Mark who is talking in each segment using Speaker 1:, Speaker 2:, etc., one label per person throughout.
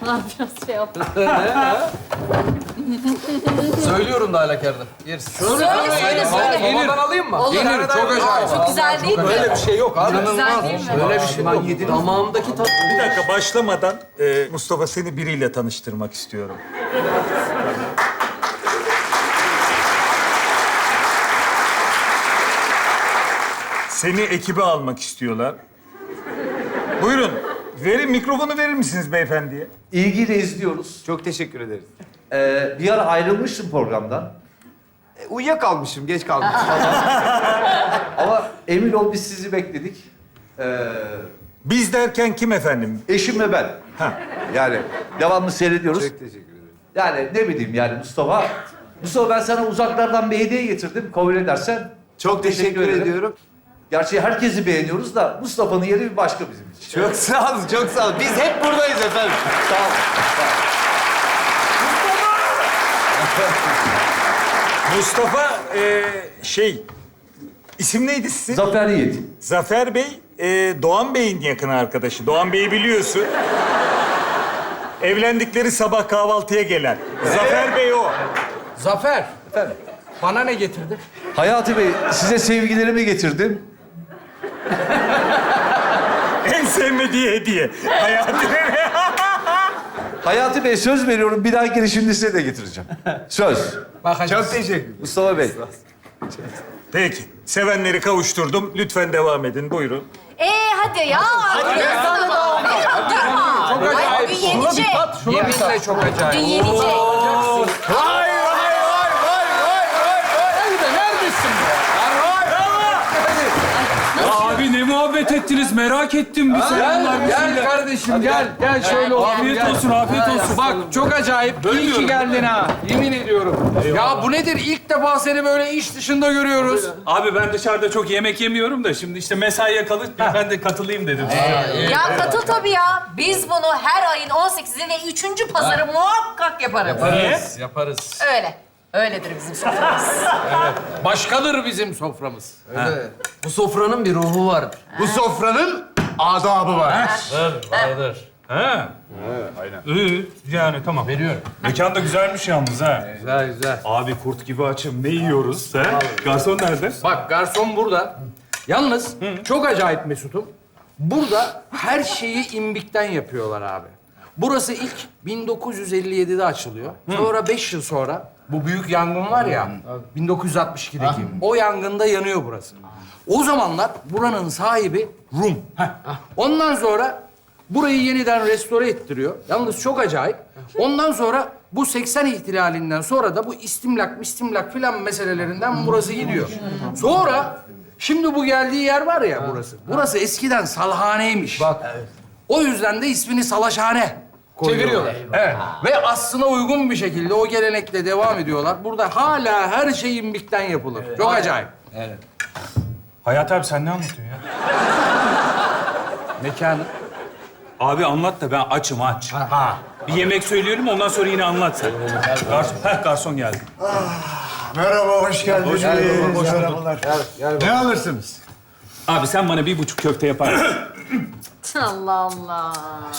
Speaker 1: Biraz şey yaptım.
Speaker 2: Söylüyorum da halakarda. Yersin.
Speaker 1: Söyle.
Speaker 2: Babadan alayım mı?
Speaker 1: Olur.
Speaker 2: Yenir, çok acayip.
Speaker 1: Çok güzel değil mi?
Speaker 2: Böyle bir şey yok abi.
Speaker 1: Güzel değil mi?
Speaker 2: Böyle bir şey yok. Damağımdaki tat...
Speaker 3: Bir dakika başlamadan Mustafa seni biriyle tanıştırmak istiyorum. Seni ekibe almak istiyorlar. Buyurun. Mikrofonu verir misiniz beyefendiye?
Speaker 4: İlgiyle izliyoruz.
Speaker 5: Çok teşekkür ederiz.
Speaker 4: Bir ara ayrılmıştım programdan.
Speaker 5: Uyuyakalmışım, geç kalmışım.
Speaker 4: Ama emin ol biz sizi bekledik.
Speaker 3: Biz derken kim efendim?
Speaker 4: Eşim ve ben. Yani devamlı seyrediyoruz.
Speaker 5: Çok teşekkür ederim.
Speaker 4: Yani ne bileyim yani Mustafa. Mustafa ben sana uzaklardan bir hediye getirdim. Kabul edersen.
Speaker 5: Çok teşekkür
Speaker 4: ederim.
Speaker 5: ediyorum.
Speaker 4: Gerçi herkesi beğeniyoruz da Mustafa'nın yeri bir başka bizim için.
Speaker 5: Çok sağ olun, çok sağ olun. Biz hep buradayız efendim.
Speaker 4: Sağ ol.
Speaker 3: Mustafa isim neydi sizin?
Speaker 4: Zafer Yiğit.
Speaker 3: Zafer Bey, Doğan Bey'in yakın arkadaşı. Doğan Bey'i biliyorsun. Evlendikleri sabah kahvaltıya gelen. Zafer Bey o.
Speaker 2: Zafer. Efendim? Bana ne getirdin?
Speaker 4: Hayati Bey size sevgilerimi getirdim.
Speaker 3: En sevmediği hediye. Hayatı.
Speaker 4: Hayati Bey söz veriyorum bir dahaki girişimde size de getireceğim. Söz.
Speaker 2: Bakacağız.
Speaker 5: Çok teşekkür ederim.
Speaker 4: Mustafa Bey.
Speaker 3: Peki. Sevenleri kavuşturdum. Lütfen devam edin. Buyurun.
Speaker 1: Hadi ya. Hadi ya. Durma.
Speaker 2: Çok
Speaker 1: Ay,
Speaker 2: acayip.
Speaker 1: bugün yenecek.
Speaker 2: Yeminle çok acayip.
Speaker 1: Bugün yenecek.
Speaker 5: Vay vay vay vay vay vay.
Speaker 2: Nerede? Neredesin be?
Speaker 6: Abi ne muhabbet ettiniz merak ettim bir selamlar bir
Speaker 2: Gel
Speaker 6: şeyler.
Speaker 2: kardeşim gel. Gel şöyle otur.
Speaker 6: Afiyet
Speaker 2: gel.
Speaker 6: olsun, afiyet olsun.
Speaker 2: Bak çok acayip. İyi ki geldin ha. Yemin ediyorum. Ya bu nedir? İlk defa seni böyle iş dışında görüyoruz.
Speaker 6: Abi ben dışarıda çok yemek yemiyorum da şimdi işte mesaiye kalıp ben de katılayım dedim.
Speaker 1: Ya katıl tabii ya. Biz bunu her ayın 18'i ve 3. pazarı muhakkak yaparız.
Speaker 2: Yaparız. Yaparız.
Speaker 1: Öyle. Öyledir bizim soframız.
Speaker 2: Başkadır bizim soframız.
Speaker 7: Bu sofranın bir ruhu vardır.
Speaker 5: Bu sofranın adabı var.
Speaker 2: Vardır.
Speaker 6: Ha. İyi yani tamam.
Speaker 2: Veriyorum.
Speaker 6: Mekan da güzelmiş yalnız ha.
Speaker 2: Güzel güzel.
Speaker 6: Abi kurt gibi açım ne yiyoruz ha? Garson nerede?
Speaker 2: Bak garson burada. Yalnız çok acayip Mesut'um. Burada her şeyi imbikten yapıyorlar abi. Burası ilk 1957'de açılıyor. Sonra 5 yıl sonra bu büyük yangın var ya 1962'deki. O yangında yanıyor burası. O zamanlar buranın sahibi Rum. Ondan sonra burayı yeniden restore ettiriyor. Yalnız çok acayip. Ondan sonra bu 80 ihtilalinden sonra da bu istimlak filan meselelerinden burası gidiyor. Sonra şimdi bu geldiği yer var ya burası. Burası eskiden salhaneymiş. Bak. O yüzden de ismini Salaşhane koyuyorlar. Çeviriyorlar.
Speaker 7: Evet.
Speaker 2: Ve aslına uygun bir şekilde o gelenekle devam ediyorlar. Burada hala her şey imbikten yapılır. Çok acayip.
Speaker 6: Hayat abi sen ne anlatıyorsun ya?
Speaker 2: Mekanı.
Speaker 6: Abi anlat da ben açım aç. Bir yemek söyleyelim ondan sonra yine anlat sen. Garson geldi.
Speaker 8: Merhaba, hoş geldiniz. Merhabalar. Ne alırsınız?
Speaker 6: Abi sen bana 1,5 köfte yapar mısın?
Speaker 1: Allah Allah.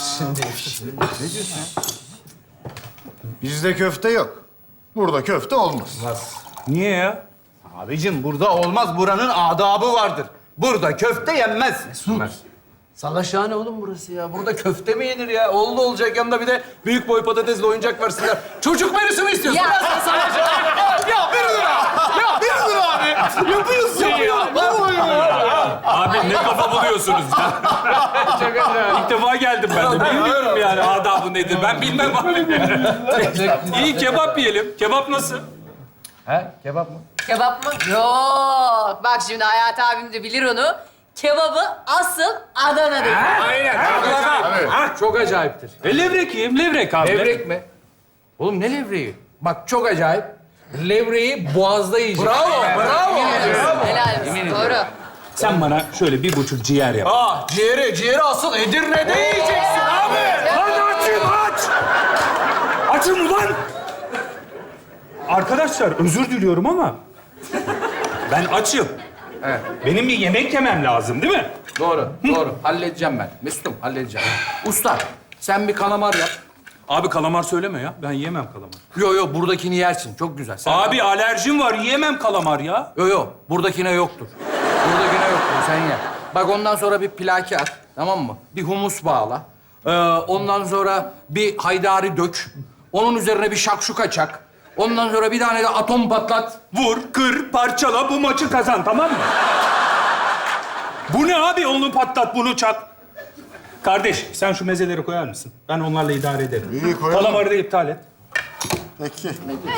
Speaker 8: Bizde köfte yok. Burada köfte olmaz.
Speaker 6: Niye ya?
Speaker 5: Abicim burada olmaz. Buranın adabı vardır. Burada köfte yenmez.
Speaker 7: Salaşhane oğlum burası ya. Burada köfte mi yenir ya? Oldu olacak yanında bir de büyük boy patatesle oyuncak versinler. Çocuk menüsü mü istiyorsun?
Speaker 1: Ya.
Speaker 7: Sen salaşhane.
Speaker 5: Ya bir dur abi. Ya bir dur abi. Yapıyorsun ya.
Speaker 6: Abi ne kafa buluyorsunuz ya? İlk defa geldim ben de. Bilmiyorum yani adabı nedir. Ben bilmem abi. İyi kebap yiyelim. Kebap nasıl?
Speaker 2: He? Kebap mı?
Speaker 1: Kebap mı? Yok. Bak şimdi Hayat abim de bilir onu. Kebabı asıl Adana'dır.
Speaker 2: Çok acayiptir.
Speaker 6: Levrek yiyeyim. Levrek abi.
Speaker 2: Levrek mi? Oğlum ne levreği? Bak çok acayip. Levreği boğazda yiyeceksin.
Speaker 7: Bravo, bravo.
Speaker 1: Helal olsun. Doğru.
Speaker 6: Sen bana şöyle 1,5 ciğer yap.
Speaker 7: Ciğeri asıl Edirne'de yiyeceksin abi.
Speaker 6: Lan açım aç! Açım ulan! Arkadaşlar özür diliyorum ama ben açım.
Speaker 2: Evet.
Speaker 6: Benim bir yemek yemem lazım değil mi?
Speaker 2: Doğru, doğru. Halledeceğim ben. Mesut'um halledeceğim. Usta, sen bir kalamar yap.
Speaker 6: Abi kalamar söyleme ya. Ben yiyemem kalamar.
Speaker 2: Yo buradakini yersin. Çok güzel. Sen
Speaker 6: Abi alerjim var. Yiyemem kalamar ya.
Speaker 2: Yo buradakine yoktur. Buradakine yoktur. Sen ye. Bak ondan sonra bir plaki at. Tamam mı? Bir humus bağla. Ondan sonra bir haydari dök. Onun üzerine bir şakşuka çak. Ondan sonra bir tane de atom patlat.
Speaker 6: Vur, kır, parçala, bu maçı kazan, tamam mı? Bu ne abi? Onu patlat, bunu çak. Kardeş, sen şu mezeleri koyar mısın? Ben onlarla idare ederim.
Speaker 8: İyi, koyalım.
Speaker 6: Kalamarı da iptal et.
Speaker 8: Peki.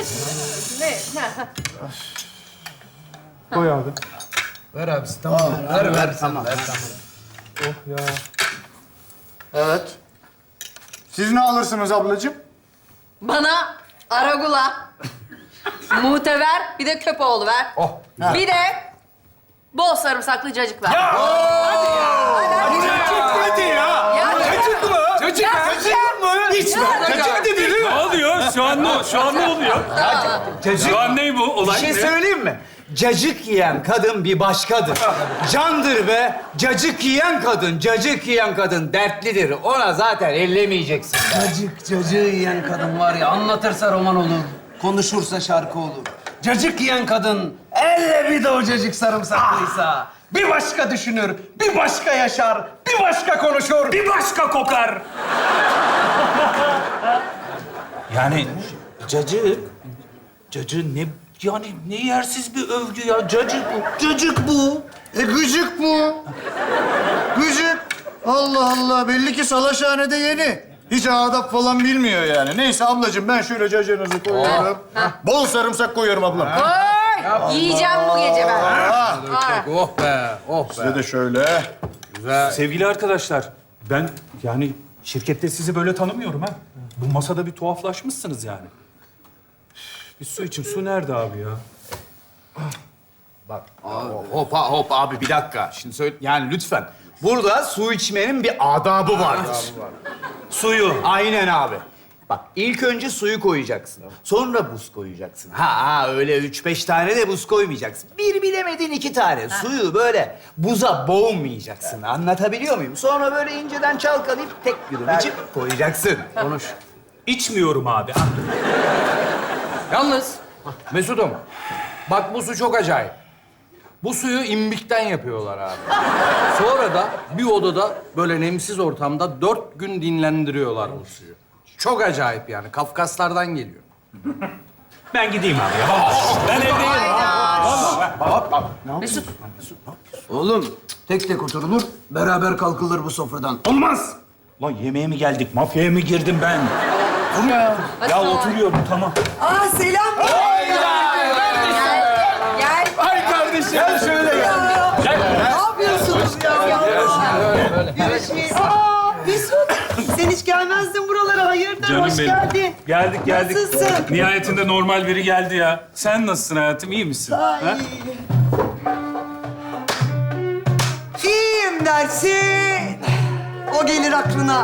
Speaker 6: Koy abi.
Speaker 7: Ver abisi tamam. Ver tamam.
Speaker 8: Evet. Siz ne alırsınız ablacığım?
Speaker 1: Bana aragula, muhtever, bir de köpoğlu ver. Bir de bol sarımsaklı cacık ver.
Speaker 8: Hadi ya.
Speaker 6: Ne oluyor? Şu an ne oluyor? Şu an ne bu? Olay
Speaker 9: Bir şey
Speaker 6: ne?
Speaker 9: söyleyeyim mi? Cacık yiyen kadın bir başkadır. Candır be. Cacık yiyen kadın dertlidir. Ona zaten ellemeyeceksin.
Speaker 7: Cacığı yiyen kadın var ya, anlatırsa roman olur, konuşursa şarkı olur. Cacık yiyen kadın, elle bir de o cacık sarımsaklıysa. Bir başka düşünür, bir başka yaşar, bir başka konuşur.
Speaker 6: Bir başka kokar. Yani cacık ne yani ne yersiz bir övgü ya. Cacık bu.
Speaker 8: Gıcık bu. Gıcık. Allah Allah. Belli ki salaşhanede yeni. Hiç adap falan bilmiyor yani. Neyse ablacığım ben şöyle cacığınızı koyuyorum. Bol sarımsak koyuyorum ablam.
Speaker 1: Oy! Yiyeceğim bu gece ben.
Speaker 2: Oh be.
Speaker 8: Size de şöyle.
Speaker 6: Sevgili arkadaşlar, ben yani şirkette sizi böyle tanımıyorum ha. Bu masada bir tuhaflaşmışsınız yani. Bir su için. Su nerede abi ya?
Speaker 9: Hop abi bir dakika. Şimdi söyle yani lütfen. Burada su içmenin bir adabı vardır.
Speaker 6: Suyu.
Speaker 9: Aynen abi. Bak ilk önce suyu koyacaksın. Sonra buz koyacaksın. Ha öyle 3-5 tane de buz koymayacaksın. Bir bilemedin 2 tane. Suyu böyle buza boğmayacaksın. Anlatabiliyor muyum? Sonra böyle inceden çalkalayıp tek yudum içip koyacaksın.
Speaker 2: Konuş.
Speaker 6: İçmiyorum abi.
Speaker 2: Yalnız Mesut'um, bak bu su çok acayip. Bu suyu imbikten yapıyorlar abi. Sonra da bir odada böyle nemsiz ortamda 4 gün dinlendiriyorlar bu suyu. Çok acayip yani. Kafkaslardan geliyor.
Speaker 6: Ben gideyim abi ya. Ben evdeyim.
Speaker 1: Mesut,
Speaker 7: Oğlum, tek tek oturulur, beraber kalkılır bu sofradan.
Speaker 6: Olmaz. Lan yemeğe mi geldik? Mafyaya mı girdim ben? Ya oturuyorum tamam.
Speaker 10: Aa selam.
Speaker 1: gel.
Speaker 8: Ay kardeşim. Gel şöyle gel.
Speaker 10: Ne yapıyorsunuz ya? Görüşmeyiz. Aa Mesut. Sen hiç gelmezdin buralara. Hayırdır?
Speaker 6: Canım
Speaker 10: Hoş
Speaker 6: benim.
Speaker 10: geldin.
Speaker 6: Geldik.
Speaker 10: Nasılsın?
Speaker 6: Nihayetinde normal biri geldi ya. Sen nasılsın hayatım? İyi misin?
Speaker 10: Ay.
Speaker 6: Ha?
Speaker 10: İyiyim dersin. O gelir aklına.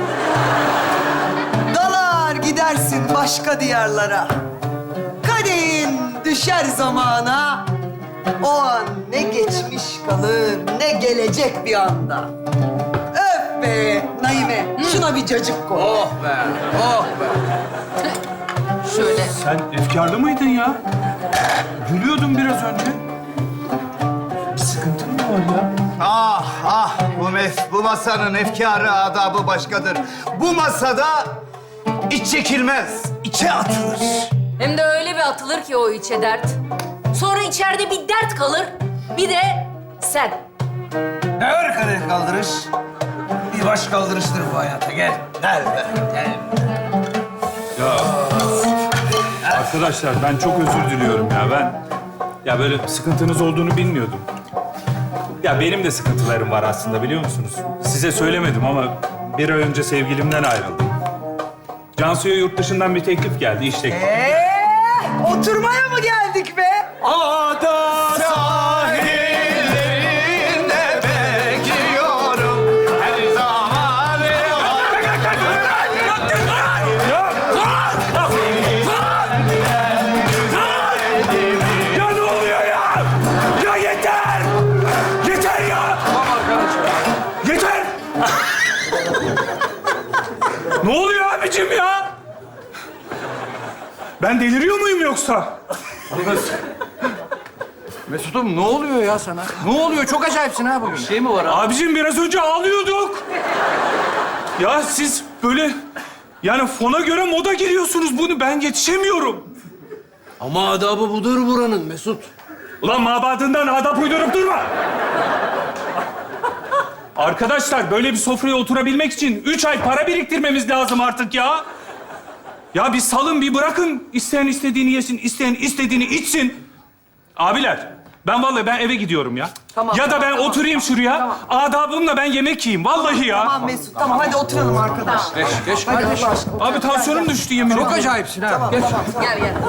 Speaker 10: Dalar gidersin başka diyarlara. Kadehin düşer zamana. O an ne geçmiş kalır, ne gelecek bir anda. Öf be Naime, şuna bir cacık koy.
Speaker 2: Oh be, oh be.
Speaker 1: Şöyle.
Speaker 6: Sen efkarlı mıydın ya? Gülüyordun biraz önce. Bir sıkıntın mı var ya?
Speaker 9: Bu masanın efkarı adabı başkadır. Bu masada iç çekilmez, içe atılır.
Speaker 1: Hem de öyle bir atılır ki o içe dert. Sonra içeride bir dert kalır. Bir de sen.
Speaker 7: Ne var kadeh kaldırış? Bir baş kaldırıştır bu hayata, gel. Gel be, gel.
Speaker 6: Arkadaşlar ben çok özür diliyorum ya. Ya böyle sıkıntınız olduğunu bilmiyordum. Ya benim de sıkıntılarım var aslında biliyor musunuz? Size söylemedim ama bir ay önce sevgilimden ayrıldım. Cansu'ya yurt dışından bir teklif geldi, iş teklifi.
Speaker 10: Oturmaya mı geldik be?
Speaker 9: Ada sahillerinde bekliyorum her zaman.
Speaker 6: Ya ne oluyor ya? Ya yeter! Yeter ya! Yeter! Ne oluyor abicim ya? deliriyor muyum yoksa?
Speaker 2: Mesut'um ne oluyor ya sana? Ne oluyor? Çok acayipsin ha bugün.
Speaker 7: Şey mi var abi?
Speaker 6: Abicim biraz önce ağlıyorduk. Ya siz böyle yani fona göre moda giriyorsunuz. Bunu ben yetişemiyorum.
Speaker 7: Ama adabı budur buranın Mesut.
Speaker 6: Ulan mabadından adap uydurup durma. Arkadaşlar böyle bir sofraya oturabilmek için 3 ay para biriktirmemiz lazım artık ya. Ya bir salın, bir bırakın. İsteyen istediğini yesin, isteyen istediğini içsin. Abiler, ben eve gidiyorum ya.
Speaker 10: Tamam,
Speaker 6: ya da ben
Speaker 10: tamam,
Speaker 6: oturayım şuraya. Adabımla ben yemek yiyeyim. Vallahi ya.
Speaker 10: Tamam Mesut, tamam hadi oturalım arkadaş.
Speaker 2: Geç
Speaker 10: Hadi
Speaker 2: kardeş.
Speaker 10: Allah aşkına.
Speaker 6: Abi tansiyonum düştü yemin
Speaker 2: Çok
Speaker 6: ederim.
Speaker 2: acayipsin ha.
Speaker 10: Tamam,
Speaker 2: Geç.
Speaker 10: tamam.
Speaker 1: Gel gel.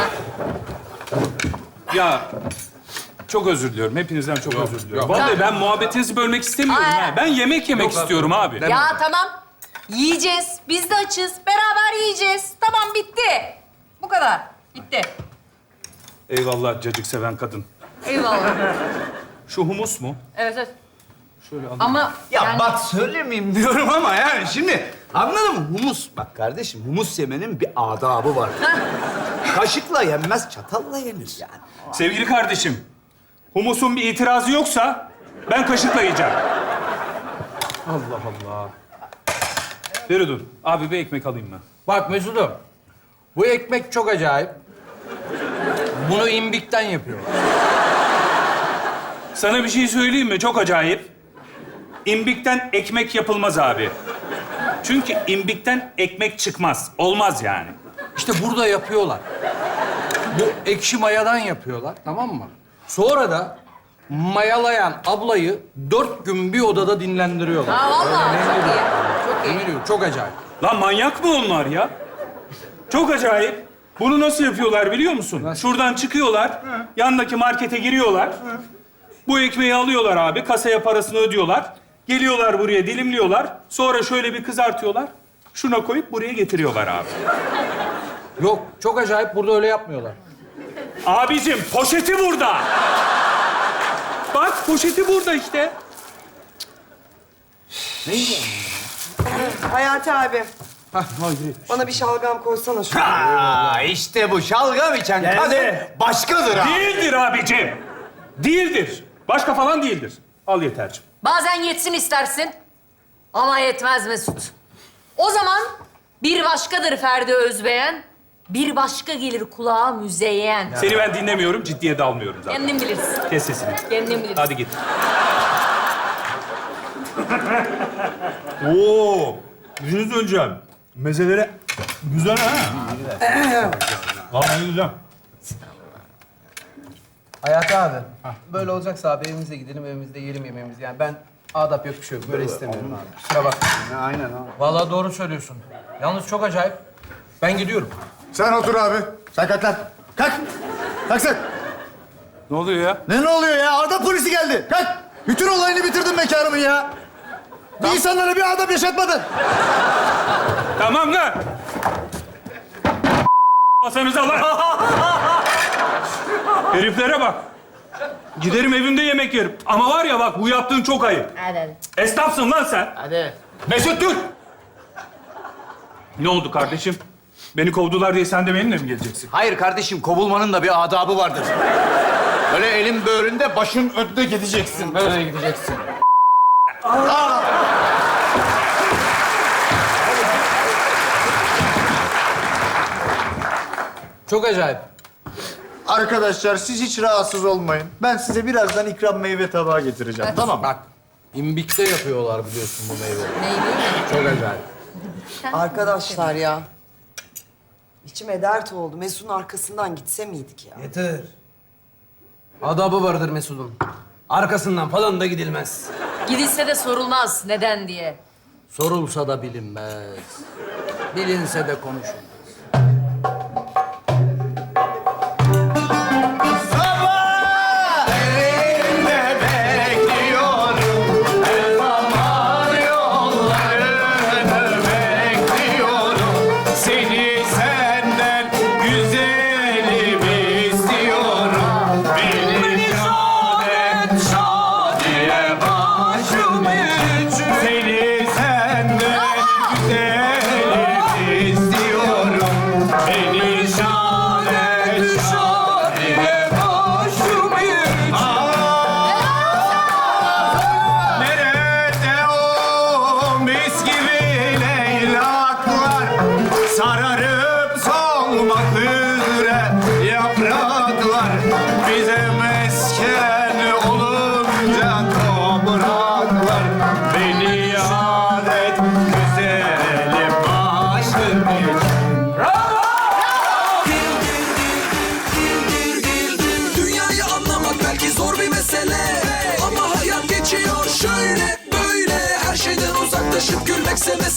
Speaker 6: Ya çok özür diliyorum. Hepinizden çok özür diliyorum.
Speaker 2: yok.
Speaker 6: Vallahi ben muhabbetinizi bölmek istemiyorum
Speaker 1: Ay.
Speaker 6: ha. Ben yemek yemek istiyorum abi.
Speaker 1: Ya tamam. Yiyeceğiz. Biz de açız. Beraber yiyeceğiz. Tamam bitti. Bu kadar. Bitti.
Speaker 6: Eyvallah cacık seven kadın.
Speaker 1: Eyvallah.
Speaker 6: Şu humus mu?
Speaker 1: Evet evet.
Speaker 6: Şöyle alayım.
Speaker 1: Ama
Speaker 9: Ya
Speaker 1: yani...
Speaker 9: bak söylemeyeyim diyorum ama yani şimdi anladın mı? Humus, bak kardeşim humus yemenin bir adabı var. Kaşıkla yenmez, çatalla yenir yani.
Speaker 6: Sevgili kardeşim, humusun bir itirazı yoksa ben kaşıkla yiyeceğim. Allah Allah. Feridun, abi bir ekmek alayım ben.
Speaker 2: Bak Mesut'um. Bu ekmek çok acayip. Bunu imbikten yapıyorlar.
Speaker 6: Sana bir şey söyleyeyim mi? Çok acayip. İmbikten ekmek yapılmaz abi. Çünkü imbikten ekmek çıkmaz. Olmaz yani.
Speaker 2: İşte burada yapıyorlar. Bu ekşi mayadan yapıyorlar, tamam mı? Sonra da mayalayan ablayı 4 gün bir odada dinlendiriyorlar.
Speaker 1: Ha vallahi çok iyi. Çok iyi.
Speaker 2: Yemin ediyorum, çok acayip.
Speaker 6: Lan manyak mı onlar ya? Çok acayip. Bunu nasıl yapıyorlar biliyor musun? Şuradan çıkıyorlar, yandaki markete giriyorlar. Bu ekmeği alıyorlar abi, kasaya parasını ödüyorlar. Geliyorlar buraya, dilimliyorlar. Sonra şöyle bir kızartıyorlar. Şuna koyup buraya getiriyorlar abi.
Speaker 2: Yok, çok acayip. Burada öyle yapmıyorlar.
Speaker 6: Abicim, poşeti burada. Bak, poşeti burada işte.
Speaker 10: Hayati abi,
Speaker 2: Hah, haydi.
Speaker 10: bana bir şalgam koysana şuraya.
Speaker 9: Aa, işte bu şalgam içen kadın başkadır ha.
Speaker 6: Değildir abicim. Değildir. Başka falan değildir. Al yeterciğim.
Speaker 1: Bazen yetsin istersin. Ama yetmez Mesut. O zaman bir başkadır Ferdi Özbeğen. Bir başka gelir kulağa müzeyyen.
Speaker 6: Seni ben dinlemiyorum, ciddiye de almıyorum zaten.
Speaker 1: Kendin bilirsin.
Speaker 6: Kes sesini.
Speaker 1: Kendin bilirsin.
Speaker 6: Hadi git. Oo, bir şey söyleyeceğim. Mezeleri güzel ha. Vallahi güzel.
Speaker 7: Hayati abi, böyle olacaksa abi evimize gidelim, evimizde yiyelim yemeğimizi. Yani ben adap yok bir şey yok. Böyle istemiyorum abi. Kusura bakma.
Speaker 9: Aynen abi.
Speaker 2: Vallahi doğru söylüyorsun. Yalnız çok acayip. Ben gidiyorum.
Speaker 8: Sen otur abi. Sen kalk lan. Kalk. Kalk sen.
Speaker 6: Ne oluyor ya?
Speaker 8: Ne oluyor ya? Adap polisi geldi. Kalk. Bütün olayını bitirdin mekanımın ya. Bir insanlara bir adap yaşatmadın.
Speaker 6: Tamam lan. Masanıza lan. Heriflere bak. Giderim evimde yemek yerim. Ama var ya bak bu yaptığın çok ayıp.
Speaker 1: Hadi hadi.
Speaker 6: Esnafsın lan sen.
Speaker 7: Hadi.
Speaker 6: Mesut dur. Ne oldu kardeşim? Beni kovdular diye sen de benimle mi geleceksin?
Speaker 9: Hayır kardeşim, kovulmanın da bir adabı vardır. Böyle elin böğründe, başın önünde gideceksin.
Speaker 2: Böyle gideceksin. Çok acayip.
Speaker 8: Arkadaşlar siz hiç rahatsız olmayın. Ben size birazdan ikram meyve tabağı getireceğim. Tamam mı?
Speaker 2: Bak, imbikte yapıyorlar biliyorsun bu meyveyi.
Speaker 1: Neydi?
Speaker 2: Çok acayip.
Speaker 10: Arkadaşlar ya. İçime dert oldu. Mesut'un arkasından gitse miydik ya?
Speaker 7: Yeter. Adabı vardır Mesut'un. Arkasından falan da gidilmez.
Speaker 1: Gidilse de sorulmaz neden diye.
Speaker 2: Sorulsa da bilinmez. Bilinse de konuşulmaz.
Speaker 6: Seni senden güzelim istiyorum. Beni şadiye başım için. Seni senden güzelim istiyorum.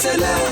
Speaker 11: mesele